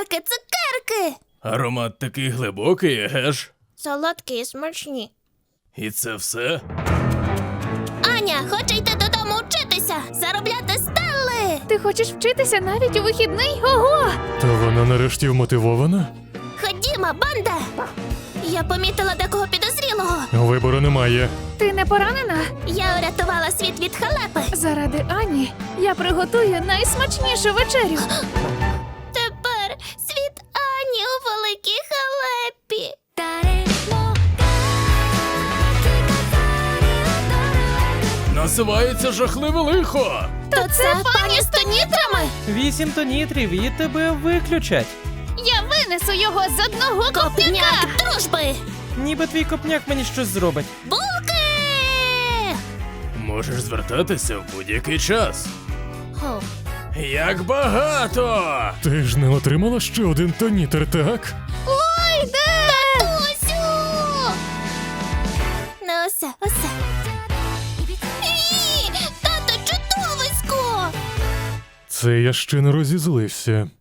Цукерки! Аромат такий глибокий, еге ж? Солодкі і смачні. І це все? Аня хоче йти додому вчитися, заробляти стелли! Ти хочеш вчитися навіть у вихідний? Ого! То вона нарешті вмотивована? Ходімо, банда! Я помітила декого підозрілого. Вибору немає. Ти не поранена? Я урятувала світ від халепи. Заради Ані я приготую найсмачнішу вечерю. Тепер світ Ані у великій халепі. Насувається жахливе лихо! То це пані з тонітрами? 8 тонітрів і тебе виключать. Я винесу його з одного копняка! Копняк дружби! Ніби твій копняк мені щось зробить. Булки! Можеш звертатися в будь-який час. О, Як багато! Ти ж не отримала ще один тонітер, так? Ой, де? Татусю! Ну усе. Ні! Тато, чудовисько! Це я ще не розізлився.